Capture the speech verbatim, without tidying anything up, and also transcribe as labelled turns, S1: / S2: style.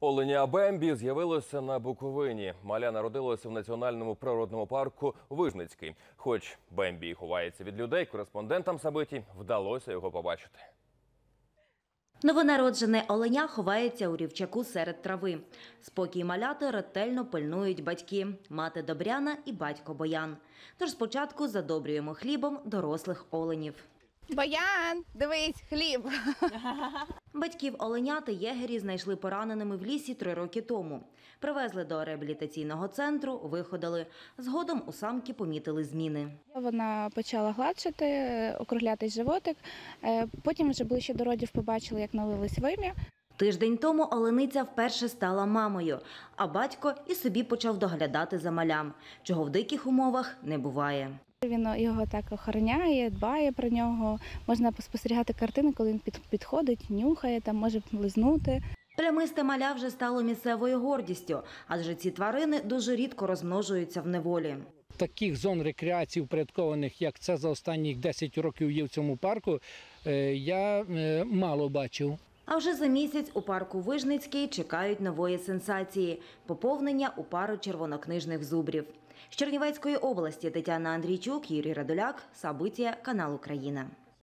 S1: Оленя Бембі з'явилося на Буковині. Маля народилося в національному природному парку Вижницький. Хоч Бембі і ховається від людей, кореспондентам Сабиті вдалося його побачити.
S2: Новонароджене оленя ховається у рівчаку серед трави. Спокій маляти ретельно пильнують батьки – мати Добряна і батько Боян. Тож спочатку задобрюємо хлібом дорослих оленів.
S3: Боян, дивись, хліб.
S2: Батьків оленяти єгері знайшли пораненими в лісі три роки тому. Привезли до реабілітаційного центру, виходили. Згодом у самки помітили зміни.
S3: Вона почала гладшити, округлятись животик. Потім вже ближче до родів побачили, як налились вим'я.
S2: Тиждень тому олениця вперше стала мамою, а батько і собі почав доглядати за малям, чого в диких умовах не буває.
S3: Він його так охороняє, дбає про нього. Можна спостерігати картини, коли він підходить, нюхає, там може лизнути.
S2: Плямисте маля вже стало місцевою гордістю, адже ці тварини дуже рідко розмножуються в неволі.
S4: Таких зон рекреації впорядкованих, як це за останні десять років є в цьому парку, я мало бачив.
S2: А вже за місяць у парку Вижницький чекають нової сенсації – поповнення у пару червонокнижних зубрів. З Чернівецької області Тетяна Андрійчук, Юрій Радуляк, Сабиття, канал Україна.